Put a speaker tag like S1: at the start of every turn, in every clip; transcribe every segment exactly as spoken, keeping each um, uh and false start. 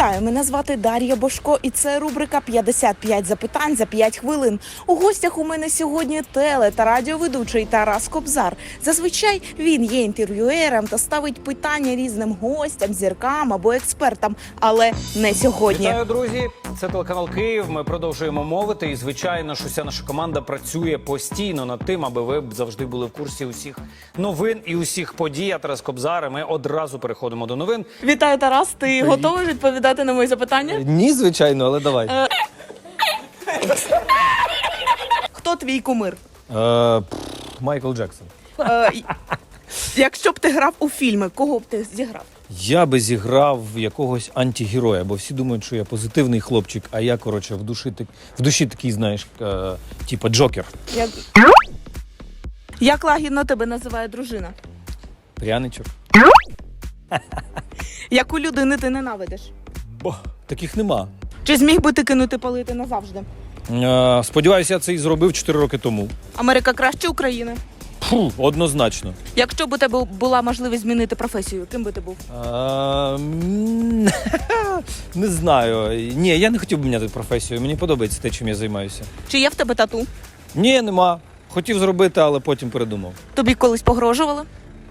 S1: Вітаю, мене звати Дар'я Бошко, і це рубрика «п'ятдесят п'ять запитань за п'ять хвилин». У гостях у мене сьогодні теле- та радіоведучий Тарас Кобзар. Зазвичай він є інтерв'юером та ставить питання різним гостям, зіркам або експертам, але не сьогодні.
S2: Вітаю, друзі! Це телеканал Київ. Ми продовжуємо мовити. І, звичайно, що вся наша команда працює постійно над тим, аби ви завжди були в курсі усіх новин і усіх подій. Я Тарас Кобзар, і ми одразу переходимо до новин.
S1: Вітаю, Тарас. Ти готовий відповідати на мої запитання?
S3: Ні, звичайно, але давай.
S1: Е... Хто твій кумир?
S3: Е, Майкл Джексон.
S1: Е, якщо б ти грав у фільми, кого б ти зіграв?
S3: Я би зіграв якогось антигероя, бо всі думають, що я позитивний хлопчик, а я, коротше, в душі, в душі такий, знаєш, е, типа Джокер.
S1: Як... Як лагідно тебе називає дружина?
S3: Пряничок.
S1: Яку людину ти ненавидиш?
S3: Бо таких нема.
S1: Чи зміг би ти кинути палити назавжди?
S3: Е, сподіваюся, я це і зробив чотири роки тому.
S1: Америка краще України?
S3: Фу, однозначно.
S1: Якщо б у тебе була можливість змінити професію, ким би ти був?
S3: Е, м, не знаю. Ні, я не хотів би міняти професію. Мені подобається те, чим я займаюся.
S1: Чи є в тебе тату?
S3: Ні, нема. Хотів зробити, але потім передумав.
S1: Тобі колись погрожували?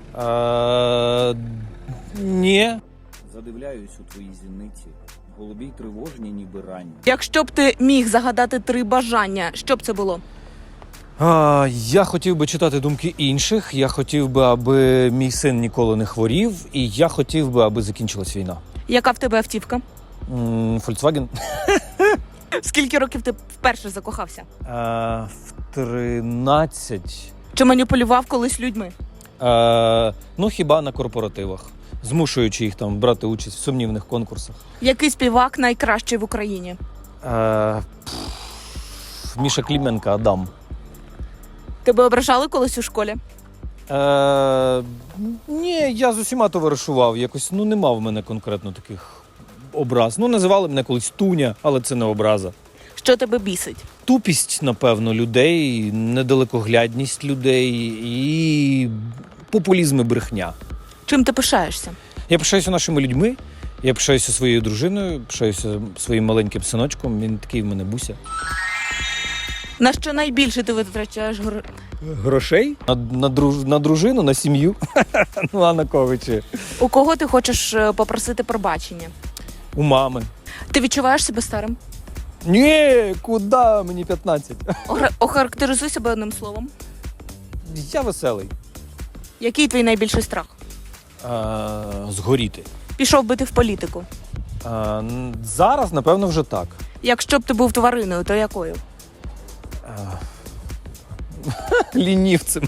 S3: Е, ні.
S4: Задивляюсь у твої зіниці, голубі й тривожні, ніби ранні.
S1: Якщо б ти міг загадати три бажання, що б це було?
S3: А, я хотів би читати думки інших, я хотів би, аби мій син ніколи не хворів, і я хотів би, аби закінчилась війна.
S1: Яка в тебе автівка?
S3: М, Volkswagen?
S1: Скільки років ти вперше закохався?
S3: А, в тринадцять.
S1: Чи маніпулював колись людьми?
S3: А, ну, хіба на корпоративах, змушуючи їх там брати участь в сумнівних конкурсах.
S1: Який співак найкращий в Україні?
S3: А, пф, Міша Клименко, Адам.
S1: Тебе ображали колись у школі?
S3: Е, ні, я з усіма товаришував. Якось, ну, нема в мене конкретно таких образ. Ну, називали мене колись Туня, але це не образа.
S1: Що тебе бісить?
S3: Тупість, напевно, людей, недалекоглядність людей і популізм і брехня.
S1: Чим ти пишаєшся?
S3: Я пишаюся нашими людьми, я пишаюся своєю дружиною, пишаюся своїм маленьким синочком, він такий в мене Буся.
S1: На що найбільше ти витрачаєш грошей?
S3: Грошей? На, на, друж, на дружину, на сім'ю, ну а на кого чи?
S1: У кого ти хочеш е, попросити пробачення?
S3: У мами.
S1: Ти відчуваєш себе старим?
S3: Ні, куди? Мені п'ятнадцять.
S1: Охар- Охарактеризуй себе одним словом.
S3: Я веселий.
S1: Який твій найбільший страх?
S3: А, згоріти.
S1: Пішов би ти в політику.
S3: А, н- зараз, напевно, вже так.
S1: Якщо б ти був твариною, то якою?
S3: А, лінівцем.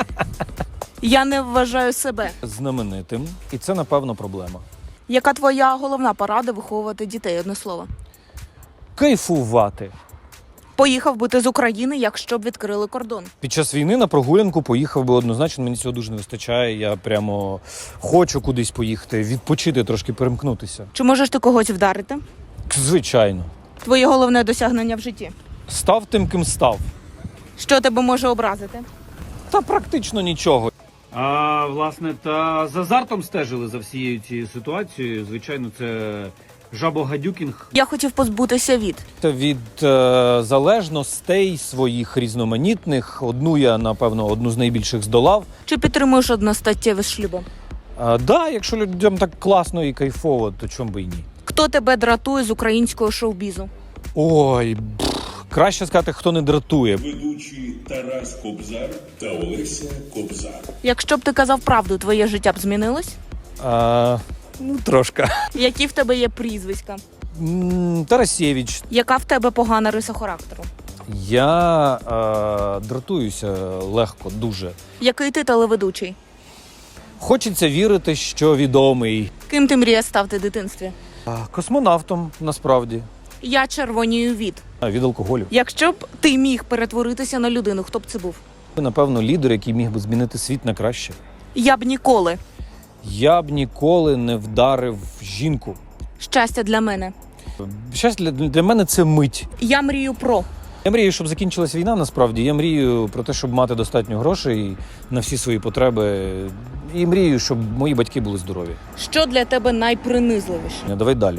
S1: Я не вважаю себе.
S3: Знаменитим. І це, напевно, проблема.
S1: Яка твоя головна порада виховувати дітей, одне слово?
S3: Кайфувати.
S1: Поїхав би ти з України, якщо б відкрили кордон.
S3: Під час війни на прогулянку поїхав би однозначно, мені цього дуже не вистачає. Я прямо хочу кудись поїхати, відпочити, трошки перемкнутися.
S1: Чи можеш ти когось вдарити?
S3: Звичайно.
S1: Твоє головне досягнення в житті.
S3: Став тим, ким став.
S1: Що тебе може образити?
S3: Та практично нічого.
S2: А, власне, та з азартом стежили за всією цією ситуацією. Звичайно, це жабогадюкінг.
S1: Я хотів позбутися від.
S3: Та від е, залежностей своїх різноманітних. Одну я, напевно, одну з найбільших здолав.
S1: Чи підтримуєш одностаттєве з шлюбом?
S3: А, да, якщо людям так класно і кайфово, то чому би і ні?
S1: Хто тебе дратує з українського шоу-бізу?
S3: Ой, пф, краще сказати, хто не дратує.
S5: Ведучі Тарас Кобзар та Олеся Кобзар.
S1: Якщо б ти казав правду, твоє життя б змінилось?
S3: А, ну, трошки.
S1: Які в тебе є прізвиська?
S3: М, Тарасєвич.
S1: Яка в тебе погана риса характеру?
S3: Я е, дратуюся легко, дуже.
S1: Який ти телеведучий?
S3: Хочеться вірити, що відомий.
S1: Ким ти мріяв стати в дитинстві?
S3: А, космонавтом, насправді.
S1: Я червонію від.
S3: А, від алкоголю.
S1: Якщо б ти міг перетворитися на людину, хто б це був?
S3: Напевно, лідер, який міг би змінити світ на краще.
S1: Я б ніколи.
S3: Я б ніколи не вдарив жінку.
S1: Щастя для мене.
S3: Щастя для, для мене це мить.
S1: Я мрію про.
S3: Я мрію, щоб закінчилась війна, насправді. Я мрію про те, щоб мати достатньо грошей на всі свої потреби. І мрію, щоб мої батьки були здорові.
S1: Що для тебе найпринизливіше?
S3: Давай далі.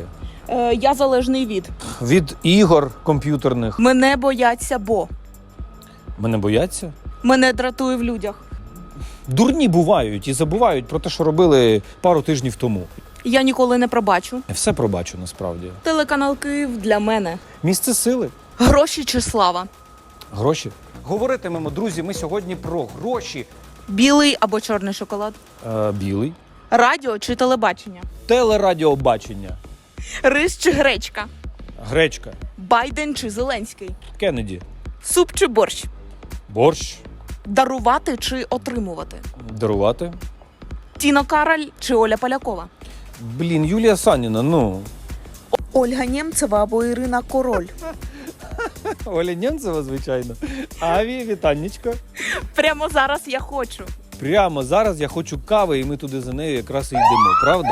S1: Е, я залежний від.
S3: Від ігор комп'ютерних.
S1: Мене бояться, бо.
S3: Мене бояться?
S1: Мене дратує в людях.
S3: Дурні бувають і забувають про те, що робили пару тижнів тому.
S1: Я ніколи не пробачу.
S3: Я все пробачу насправді.
S1: Телеканал Київ для мене.
S3: Місце сили.
S1: Гроші чи слава?
S3: Гроші.
S2: Говоритимемо, друзі, ми сьогодні про гроші.
S1: Білий або чорний шоколад?
S3: Е, білий.
S1: Радіо чи телебачення?
S3: Телерадіобачення.
S1: Рис чи гречка?
S3: Гречка.
S1: Байден чи Зеленський?
S3: Кеннеді.
S1: Суп чи борщ?
S3: Борщ.
S1: Дарувати чи отримувати?
S3: Дарувати.
S1: Тіно Кароль чи Оля Полякова?
S3: Блін, Юлія Саніна, ну.
S1: Ольга Нємцева або Ірина Король?
S3: Оля Нємцева, звичайно. Аві, вітаннячко.
S1: Прямо зараз я хочу.
S3: Прямо зараз я хочу кави, і ми туди за нею якраз і йдемо, правда?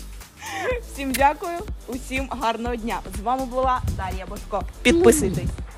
S1: Всім дякую, усім гарного дня. З вами була Дар'я Бошко. Підписуйтесь.